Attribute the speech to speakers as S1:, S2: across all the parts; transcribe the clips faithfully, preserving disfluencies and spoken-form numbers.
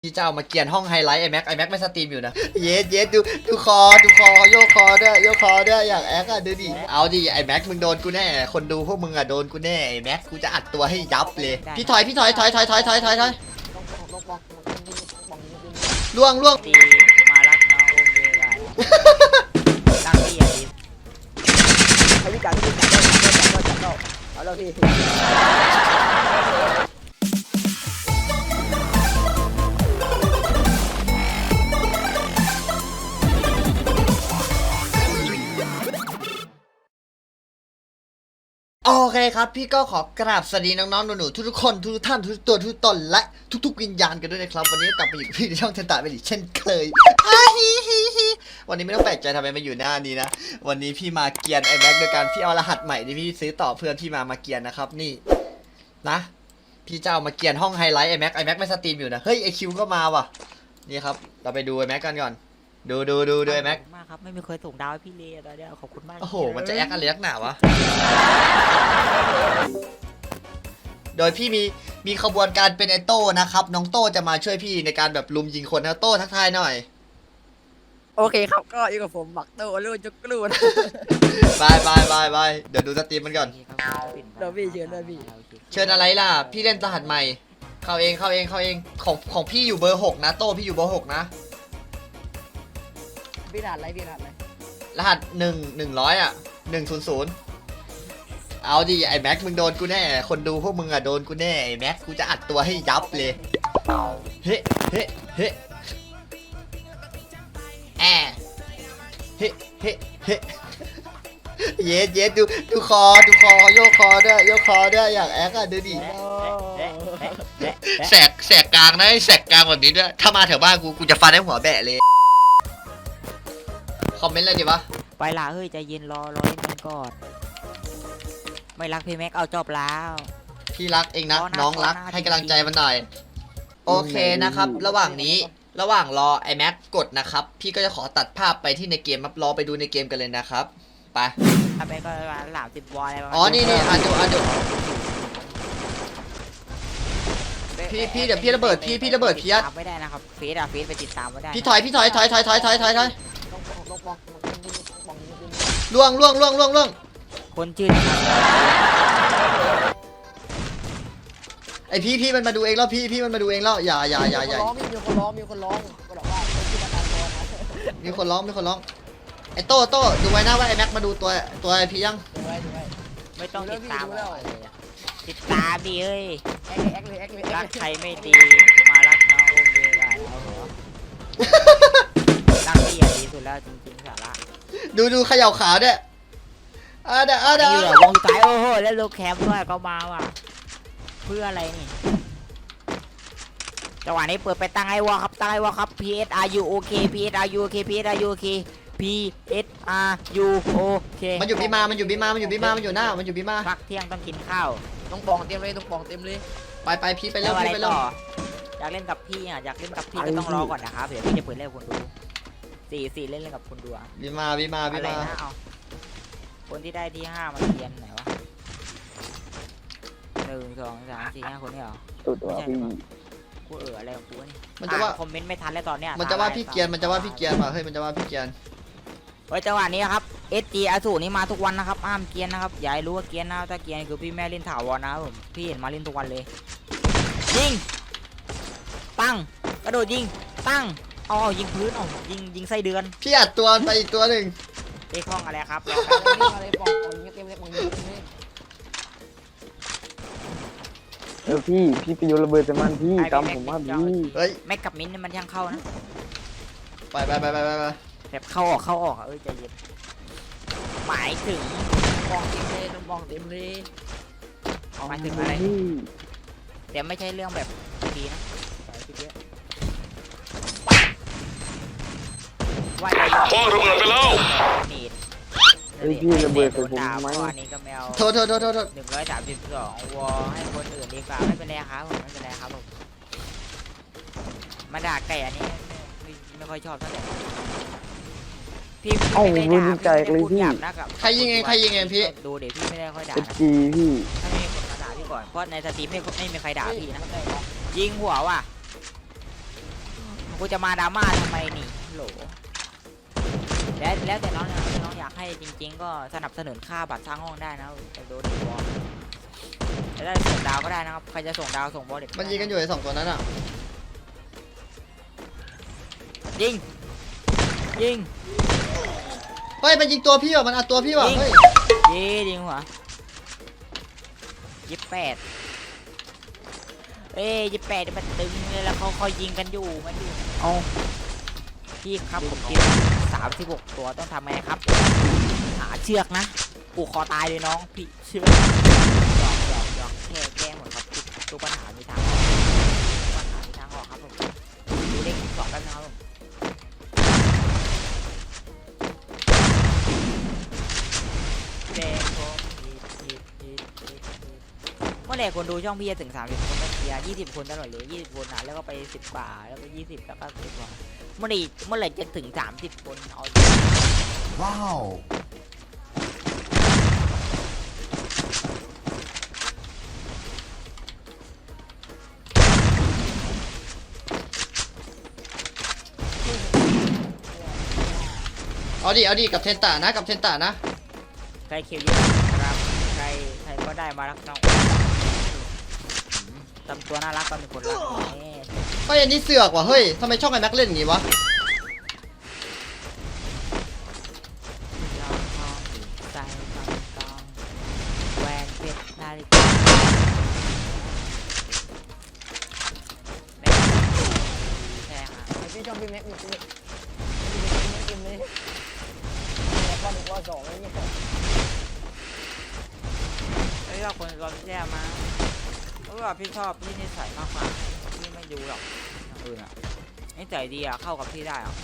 S1: พี่เจ้ามาเกียนห้องไฮไลท์ไอแม็กไอแม็กไม่สตรีมอยู่นะเยสเยสดูดูคอดูคอโยกคอด้วยโยกคอด้วยอยากแอคอะดูดิเอาดิไอแม็กมึงโดนกูแน่คนดูพวกมึงอะโดนกูแน่ไอแม็กกูจะอัดตัวให้ยับเลยพี่ถอยพี่ถอยถอยถอยถอยถอยถอยถอยล่วงล่วง
S2: ดีมารักน้องอุ้มดีกันรักพี่อ่ะดิ
S3: ให้พี่จัดพี่จัดได้จัดได้จัดได้เอาแล้วพี่
S1: โอเคครับพี่ก็ขอกราบสวัสดีน้องๆหนูๆทุกๆคนทุกท่านทุกตัวทุกตนและทุกๆวิญญาณกันด้วยนะครับวันนี้กลับมาอยู่กับพี่ในช่องเทนตาเป็นอีกเช่นเคยวันนี้ไม่ต้องแปลกใจทำไมมาอยู่หน้านี้นะวันนี้พี่มาเกียนไอแม็กโดยการพี่เอารหัสใหม่ที่พี่ซื้อต่อเพื่อนพี่มามาเกียนนะครับนี่นะพี่จะเอามาเกียนห้องไฮไลท์ไอแม็กไอแม็กไม่สตรีมอยู่นะเฮ้ยไอคิวก็มาว่ะนี่ครับเราไปดูไอแม็กกันก่อนดูดูดูดูไอแม็ก
S2: มากครับไม่มีเคยส่งดาวให้พี่เลยตอนนี้ขอบคุณมาก
S1: โอ้โหมันจะแอคอะไรนักหนาวะโดยพี่มีมีขบวนการเป็นไอโต้นะครับน้องโต้จะมาช่วยพี่ในการแบบลุมยิงคนนะโต้ทักทายหน่อย
S3: โอเคครับก็อยู่กับผมบักโต้ลูกจุกลูน
S1: บายบายบายบายเดี๋ยวดูสตรีมมันก่อน
S3: เดี๋ยวพี่เชิญด้วยพี่
S1: เชิญอะไรล่ะพี่เล่นรหัสใหม่เข้าเองเข้าเองเข้าเองของของพี่อยู่เบอร์หกนะโต้พี่อยู่เบอร์หกนะ
S3: พี่รหัสอะไรพี่รหัสอะไร
S1: รหัสหนึ่งหนึ่งร้อยอ่ะหนึ่งศูนย์ศูนย์เอาดิไอแม็กมึงโดนกูแน่คนดูพวกมึงอะโดนกูแน่ไอแม็กกูจะอัดตัวให้ยับเลยเฮ้เฮ้เฮ้แอเฮ้เฮ้เฮ้เยสเยสดูดูคอดูคอโยกคอด้วยโยกคอด้วยอยากแอคอะดูดิแสกแสกกลางนะแสกกลางแบบนี้ด้วยถ้ามาแถวบ้านกูกูจะฟันให้หัวแบะเลยคอมเมนต์อะไรดีวะ
S2: ไปละเฮ้ยใจเย็นรอรอนิดนึงก่อนไม่รักพี่แม็กเอาจบแล้ว
S1: พี่รักเองนะน้องรักให้กำลังใจมันหน่อยโอเคนะครับระหว่างนี้ระหว่างรอไอแม็กกดนะครับพี่ก็จะขอตัดภาพไปที่ในเกมครับรอไปดูในเกมกันเลยนะครับไป
S2: ทำไปก็หลามสิบวอลอะไรประมาณ
S1: อ๋อนี่นี่อ่านดูอ่านดูพี่พี่เดี๋ยวพี่ระเบิดพี่พี่ระเบิดพี่ยัด
S2: ไม่ได้นะครับเฟซอะเฟซไปติดตามไม่ได้
S1: พี่ถอยพี่ถอยถอยถอยถอยถอยถอยถอยล่วงล่วงล่วงล่วงล่วง
S2: คนชื่อ
S1: ไอพี่พี่มันมาดูเองแล้วพี่พี่มันมาดูเองแล้วอย่าอย่าอย่าอย่า
S3: มีคนร้องมีคนร้องก็บอกว่า
S1: มีคนร้องมีคนร้องไอโต้โต้ดูไว้นะว่าไอแม็กมาดูตัวตัวไอพี่ยัง
S2: ไม่ต้องติดตามติดตามดิเฮ้ยรักใครไม่ดีมารักน้องอุ้มดีกันรักพี่อ่ะดีสุดแล้วจริงๆสาระ
S1: ดูดูเขย่าขาด้วยอ่ะเด้ออ่ะเด้อ
S2: วงสายโอ้โหแล้วลูกแคมด้วยก็มาว่ะเพื่ออะไรนี่จังหวะนี้เปิดไปตั้งไอ้วอครับตั้งไอ้วอครับ P S R U O K P S R U O K P S R U O K P S R U O K
S1: มันอยู่บีมามันอยู่บีมามันอยู่บีมามันอยู่หน้ามันอยู่บีมา
S2: พักเที่ยงต้องกินข้าว
S3: ต้องปองเต็มเลยต้องปองเต็มเลย
S1: ไปไปพี่ไปเร็วพี่ไปเร็ว
S2: อยากเล่นกับพี่อ่ะอยากเล่นกับพี่ก็ต้องรอก่อนนะครับเดี๋ยวพี่จะเปิดเล่นกับคนดูสี่สี่เล่นเล่นกับคนดูอ่ะ
S1: บีมาบีมาบีมา
S2: คนที่ได้ที่ห้ามันเรียนไหนวะหนึ่งสองสามสี่ห้าคนนี่เหรอ
S3: ตัวพี่
S2: กูเอออะไรของกูนี่
S1: มันจะว่า
S2: คอมเมนต์ไม่ทันแล้วตอนเนี้ย
S1: มันจะว่าพี่เกียนมันจะว่าพี่เกียนมาเฮ้ยมันจะว่าพี่เกียน
S2: เฮ้ยจังหวะนี้ครับ เอส จี อสูรนี่มาทุกวันนะครับห้ามเกียนนะครับอย่าให้รู้ว่าเกียนนะถ้าเกียนคือพี่แม่เล่นถาวรนะครับผมพี่เห็นมาเล่นทุกวันเลยยิงตั้งกระโดดยิงตั้งอ๋อยิงพื้นอ๋อยิงยิงไส้เดือน
S1: พี่อัดตัวไปอีกตัวหนึ่ง
S2: เอ้คล้องอะไรครับ
S3: อะไรปองปองเต็มเลยปองเต็มเลย
S4: เออพี่พี่ไปโยนระเบิดใส่มันพี่ตามผมว่าพี่
S1: เฮ้ย
S2: แม็กกับมิ้นมันยังเข้านะ
S1: ไปไปไปไปไป
S2: แบบเข้าออกเข้าออกเอ้ยใจเย็นหมายถึง
S3: ปองเต็มเลยต้องปองเต็มเลย
S2: หมายถึงอะไรแต่ไม่ใช่เรื่องแบบดีนะว่าจะ
S5: พ่อระเบิดไปแล้ว
S2: นี่
S4: เฮ้ยพี่ระเบิดใส่ผมไหม
S2: อันนี้ก็แมว
S1: โทษโทษโทษโทษ
S2: หนึ่งร้อยสามสิบสองวอให้คนอื่นดีกว่าไม่เป็นไรครับผมไม่เป็นไรครับผมมาด่าไก่อันนี้ไม่ไม่ค่อยชอบเท่าไหร่พี่
S4: เอ้ารู้ใจเลยพี่
S1: ใครยิงเองใครยิงเองพี่
S2: ดูเดี๋ยวพี่ไม่ได้ค่อยด่านะ
S4: จีพี่
S2: ถ้าไม่มีคนมาด่าพี่ก่อนเพราะในสตรีมไม่ไม่มีใครด่าพี่นะยิงหัวว่ะกูจะมาดราม่าทำไมนี่โหลแล้วแล้วแต่น้องนะน้องอยากให้จริง ๆ ก็สนับสนุนค่าบัตรสร้างห้องได้นะแต่โดนบอลจะได้ส่งดาวก็ได้นะครับใครจะส่งดาวส่งบอลเด็ด
S1: มันยิงกันอยู่ไอ้สองตัวนั้นอ่ะ
S2: ยิงยิง
S1: เฮ้ยมันยิงตัวพี่ว่ะมันอัดตัวพี่ว่ะ
S2: ยิง
S1: เฮ้ย
S2: ยียิงหัวยี่สิบแปดเอ้ยยี่สิบแปดมันตึงเลยแล้วเขาเขายิงกันอยู่มันอยู่เอาพี่ครับผมกินสามสิบหกตัวต้องทำไงครับหาเชือกนะผูกคอตายเลยน้องพี่เชือกหยอกหยอกหยอกแก้แก้หมดครับทุกปัญหามีทางออกทุกปัญหามีทางออกครับผมดูเลขสองกันนะครับผมแดงผมผิดผิดผิดผิดผิดเมื่อไหร่คนดูช่องพี่จะถึงสามสิบคนก็เสียยี่สิบคนตลอดเลยยี่สิบคนนะแล้วก็ไปสิบกว่าแล้วก็ยี่สิบแล้วก็สิบกว่าเมื่อไหร่เมื่อไหร่จะถึงสามสิบคนเอา
S1: ว้าว เอาดิเอาดิกับเทนตานะกับเทนตานะ
S2: ใครเคียวเยอะครับใครใครก็ได้มารักน้องทำตัวน่ารักก็มีคนรักนี่
S1: เฮ้ยอันนี้เสือกว่ะเฮ้ยทำไมช่องไอ้แม็กเล่นอย่างงี้วะ
S2: ยอมทองใจทองทองแหวนเพชรนาฬิกาแม่แพงอ่ะ
S3: ไอพี่ชอบพี่แม็กมีพี่แม็กพี่แม็กกินเลยแม็กว่าหนึ่งว่าสองอะไรเงี้ย
S2: เฮ้ยเราคนเราแย่มาเพราะว่าพี่ชอบพี่นิสัยมากกว่าพี่ไม่ดูหรอกอย่างอื่นอ่ะนิสัยดีอ่ะเข้ากับพี่ได้อ่ะ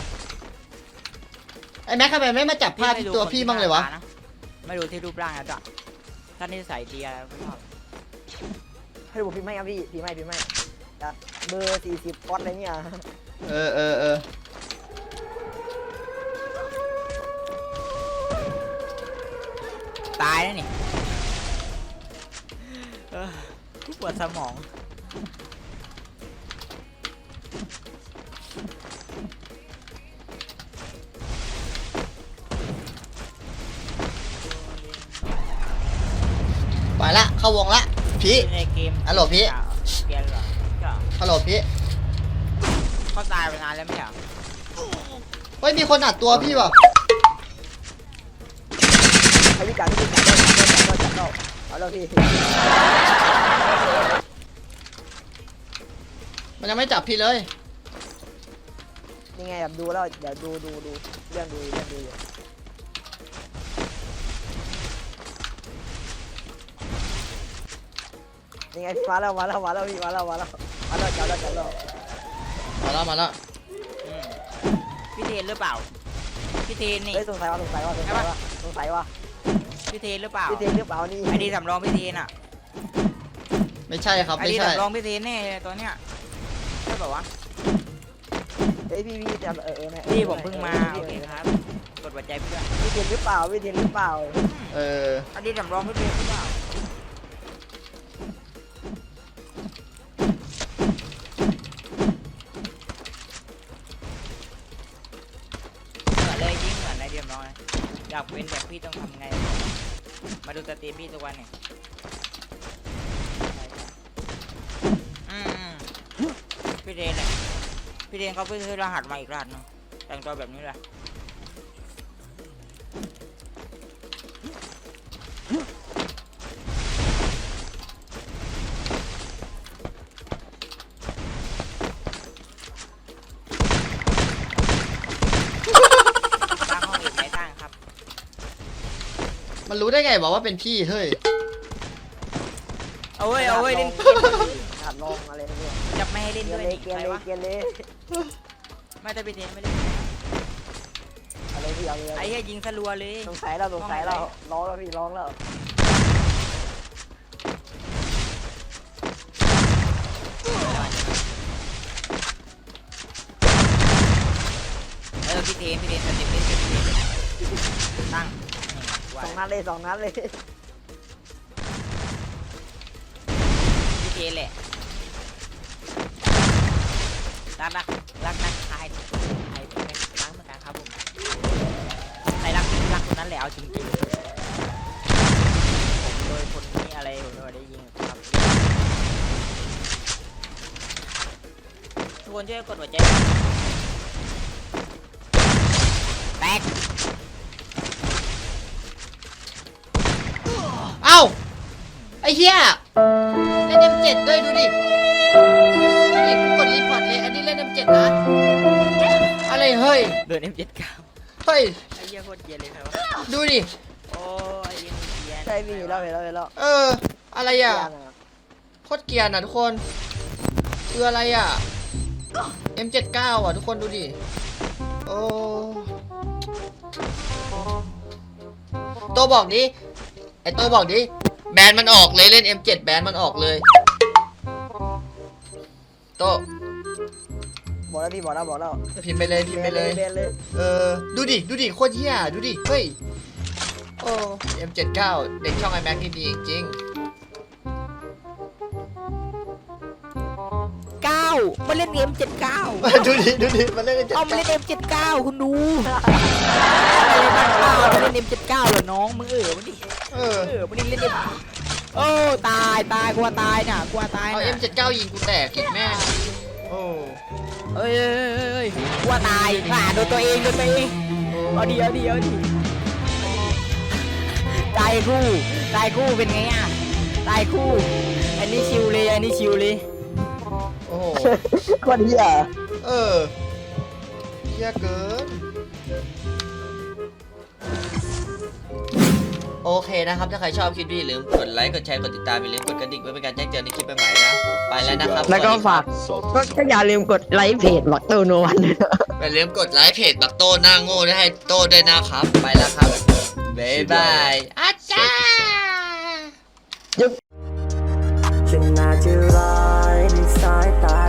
S1: ไอ้แม็กทำไมไม่มาจับผ้าที่ตัวพี่บ้างเลยวะ
S2: ไม่ดูที่รูปร่างนะจ๊ะถ้านิสัยดีอะไรไม่ชอบ
S3: ให้ดูพี่ไม่ครับพี่พี่ไม่พี่ไม่เบอร์สี่สิบฟอสอะไรเงี้ย
S1: เออเออเออ
S2: ตายแล้วนี่เออปวดสมอง
S1: ไปละเข้าวงละพี่
S2: ในเกม
S1: ฮัลโหลพี่
S2: เกมเหรอก็
S1: ฮัลโหลพี่
S2: เขาตายไปนานแล้วไม่ใช่เหรอ
S1: เฮ้ยมีคนอัดตัวพี่ว่ะ
S3: ให้พี่จับพี่จับจับจับจับจับเอาแล้วพี่
S1: มันยังไม่จับพี่เลย
S3: นี่ไงแบบดูแล้วเดี๋ยวดูดูดูเรื่องดูเรื่องดูอยู่นี่ไงพี่มาแล้วมาแล้วมาแล้วพี่มาแล้วมาแล้วมาแล้วจับแล้วจับแล้ว
S1: มาแล้วมาแล้ว
S2: อืมพี่เทนหรือเปล่าพี่เทนนี่
S3: เฮ้ยสงสัยว่าสงสัยว่าสงสัยว่าสงสัยว่า
S2: พี่เทนหรือเปล่า
S3: พี่เทนหรือเปล่านี่
S2: ไอดีสำรองพี่เทนอ่ะ
S1: ไม่ใช่ครับ
S2: ไอ
S1: ไม่
S2: ดี
S1: ใช่
S2: สำรองพี่เทนแน่เลยตัวเนี้ยใช่เปล่าวะ
S3: เฮ้ยพี่พี่จับเออเออ
S2: พี่ผมเพิ่งมาโอเคครับกดหัวใจพี่ด้วย
S3: พี่เทนหรือเปล่าพี่เทนหรือเปล่า
S1: เออ
S2: ไอดีสำรองพี่เทนหรือเปล่าเหมือนเลยยิ่งเหมือนในเดียมน้อยอยากเป็นแบบพี่ต้องทำไงมาดูสตรีมพี่ทุกวันเนี่ยอืมพี่เทนเลยพี่เทนเขาเพิ่งซื้อรหัสมาอีกรหัสหนึงแต่งตัวแบบนี้เลยตั้งห้องอีกไหมตั้งครับ
S1: มันรู้ได้ไงบอกว่าเป็นพี่เฮ้ย
S2: เอาเว้ยเอาเว้ยเล่นเกม
S3: หัดลองอะไรเนี่ย
S2: จะไม่ให้เล่น
S3: เกีย
S2: ด้วย
S3: ร์เลย
S2: นี่
S3: เกีย
S2: ใค
S3: ร์
S2: ร
S3: เลย
S2: วะ
S3: เกียร์เลย
S2: ไม่ได้ไปเทนไม่เล่น
S3: อะไรพี่เอาเลย
S2: ไอ้เหี้ยยิงสลัวเลย
S3: สงสัยแล้วสงสัยแล้วร้องแล้วพี่ร้องแล้ว
S2: เออพี่เทนพี่เทนสเต็ปเล่นพี่เทนตั้ง
S3: สองนัดเลยสองนัดเลย
S2: พี่เทนแหละรักรักรักนักทายไอ้เป็นรักเหมือนกันครับผมใครรักรักคนนั้นแหละเอาจริงๆผมโดยคนนี้อะไรผมไม่ได้ยิงครับทุกคนช่วยกดหัวใจแตก
S1: เอ้าไอ้เหี้ยเล่น เอ็ม เจ็ด ด้วยดูดิดูดิกูกดรีพอร์ตเลยอันนี้เล่น เอ็ม เจ็ด นะอะไรเฮ้ย
S2: เดิน เอ็ม เจ็ด เก้า
S1: เฮ้ย
S2: ไอ้เหี้ยโคตรเกรียนเลยครับ
S1: ดูดิ
S2: โอ้ยไอ้เหี้ยเกรียน
S3: ใช่พี่เราเห็นเราเห็นเรา
S1: เอออะไรอ่ะโคตรเกรียร์นะทุกคนคืออะไรอ่ะ เอ็ม เจ็ด เก้า อ่ะทุกคนดูดิโอ้ตัวบอกดิไอตัวบอกดิแบนมันออกเลยเล่น เอ็ม เจ็ด แบนมันออกเลยโต
S3: บอกแล้วพี่บอกแล้วบอกแล้ว
S1: พิมพ์ไปเลยพิมพ์ไปเลย
S3: เบนเลย
S1: เออดูดิดูดิโคตรเหี้ยดูดิเฮ้ยโอ้ เอ็ม เจ็ด เก้า เด็กช่องไอแม็กนี่ดีจริง
S2: เก้ามาเล่นเอ็ม เจ็ด เก้า
S1: ๆดูดิดูดิมันเล่น
S2: เอามาเล่น เอ็ม เจ็ด เก้า คุณดูอะไรบ้างเปล่ามาเล่น เอ็ม เจ็ด เก้า เหรอน้องมึงเออมันดิ
S1: เออ
S2: เออมันดิเล่น M โอ้ตายตายกลัวตายน่ะกลัวตาย
S1: เอา
S2: น่ะ
S1: เอ็ม เจ็ด เก้า ยิงกูแตกอีกแม่งโอ้
S2: เอ้ยเอ้ยเอ้ยเอ้ยกลัวตายอ่าโดนตัวเองโดนตัวเองเอาดีเอาดีเอาดีตายคู่ตายคู่เป็นไงอ่ะตายคู่อันนี้ชิวเลยอันนี้ชิวเลย
S1: โอ้โห
S3: คนเหี้ย
S1: เออเหี้ยเกินโอเคนะครับ ถ้าใครชอบคลิปนี้อย่าลืมกดไลค์กดแชร์กดติดตามอย่าลืมกดกระดิ่งเพื่อเป็นการแจ้งเตือนในคลิปใหม่ๆนะไปแล้วนะครับ
S3: แล้วก็
S1: สสดีครับ
S3: ฝากก็ก็อย่าลืมกดไลค์เพจบักเตอร์โนวัน
S1: อย่าลืมกดไลค์เพจบักโต้หน้าโง่ด้วยให้โต้ด้วยนะครับ ไปแล้วครับ บ๊ายบายอาจารย์
S3: ฉันน่าจะร้ายในสายตา